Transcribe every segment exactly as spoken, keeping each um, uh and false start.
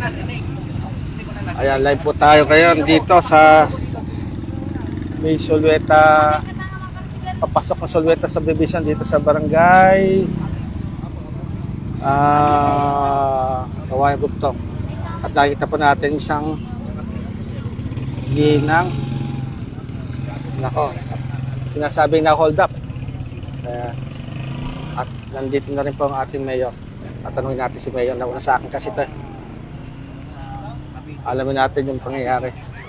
Ayan, live po tayo ngayon dito sa may Solweta. Papasok ng Solweta subdivision dito sa barangay ah Kawayan Bugtong. At nakikita po natin isang ginang. Nako, sinasabing na hold up. Kaya, at nandito na rin po ang ating mayor. At tanongin natin si mayor. Nauna sa akin kasi ito. Alamin natin yung pangyayari.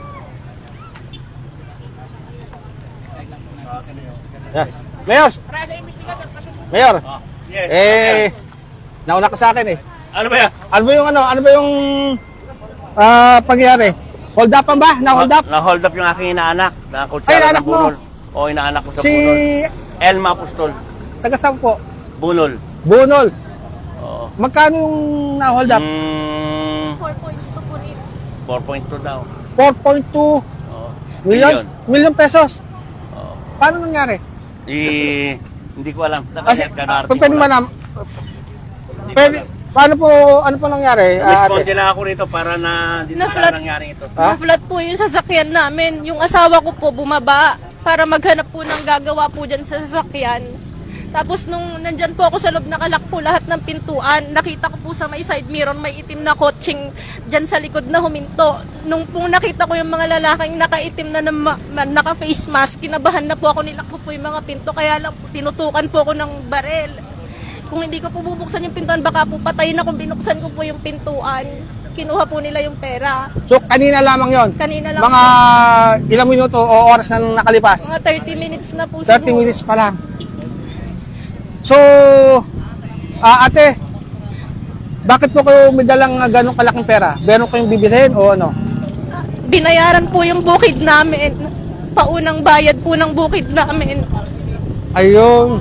Yeah. Mayor! Mayor! Eh, nauna ka sa akin eh. Ano ba yan? Ano ba yung ano? Ano ba yung ah pangyayari? Hold up ba? Na-hold up? Na-hold up yung aking inaanak. Na Ay, inaanak mo? O, inaanak ko sa Si Bunol. Elma Apostol. taga saan po? Bunol. Bunol. Oo. Magkano yung na-hold up? Mm, four point two po rin. four point two daw. four point two Oo. million? Million pesos. Oo. Paano nangyari? Eh, hindi ko alam. Kasi, Nakayat ka na pwede man nam- Pwede, paano po, ano po nangyari? ah, Responde ate? na ako rito para na dito Na-flat. na nangyari ito. Ha? Na-flat po yung sasakyan namin. Yung asawa ko po bumaba para maghanap po ng gagawa po dyan sa sasakyan. Tapos nung nandyan po ako sa loob, nakalak po lahat ng pintuan. Nakita ko po sa may side mirror, may itim na kotseng dyan sa likod na huminto. Nung pong nakita ko yung mga lalaking nakaitim na, na ma- ma- naka-face mask, kinabahan na po ako, nilakbo po yung mga pinto. Kaya lang po, tinutukan po ako ng barel. Kung hindi ko po bubuksan yung pintuan, baka po patayin na kung binuksan ko po yung pintuan. Kinuha po nila yung pera. So, kanina lamang yon. Kanina lang Mga ilang minuto o oras na nakalipas? mga thirty minutes na po thirty siguro. minutes pa lang. So, ah, ate, bakit po kayo may dalang ah, ganong kalaking pera? Meron kayong bibilhin o ano? Binayaran po yung bukid namin. Paunang bayad po ng bukid namin. Ayun.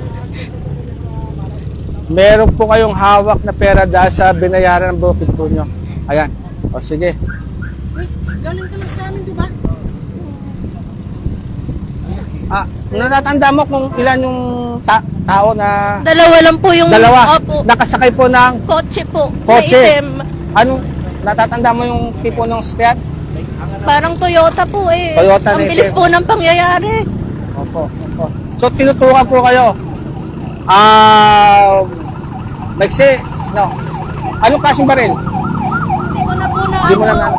Meron po kayong hawak na pera dahil sa binayaran ng bukid po nyo. Ayan. O sige. Galing ka lang sa amin, di ba? Ah, natatanda mo kung ilan yung ta- tao na Dalawa lang po yung dalawa Opo, nakasakay po ng kotse po. kotse? Na itim. Ano? Natatanda mo yung tipo ng sasakyan? Parang Toyota po eh. Toyota Ang na bilis itim. po ng pangyayari. Opo, opo. So, tinutukan po kayo. Ah, maiksi, no. Anong klaseng baril? Hindi ko na po na Hindi mo na ano. na...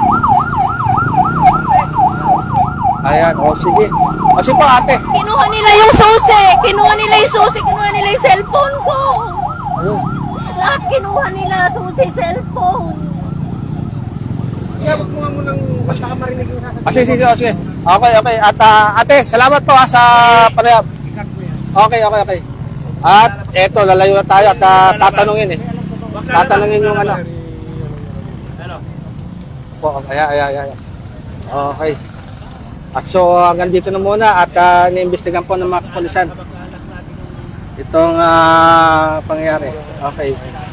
Ayan, o sige. O sige po ate. Kinuha nila yung susi. Kinuha nila yung susi. Kinuha nila yung cellphone ko. Ayun. Lahat kinuha nila. Susi, cellphone. Iyabot mo nga mo ng mas makamarinig yung sasabihin. O sige, sige, o sige. Okay, okay. At ah, ate, salamat po ha, sa panayab. Okay, okay, okay. At eto, lalayo na tayo at ah, tatanungin eh. Tatanungin yung ano. Ano? Po, ayan, ayan, ayan. Okay. At so hanggang dito na muna at uh, iniimbestigan po ng mga kapulisan itong uh, pangyayari. Okay.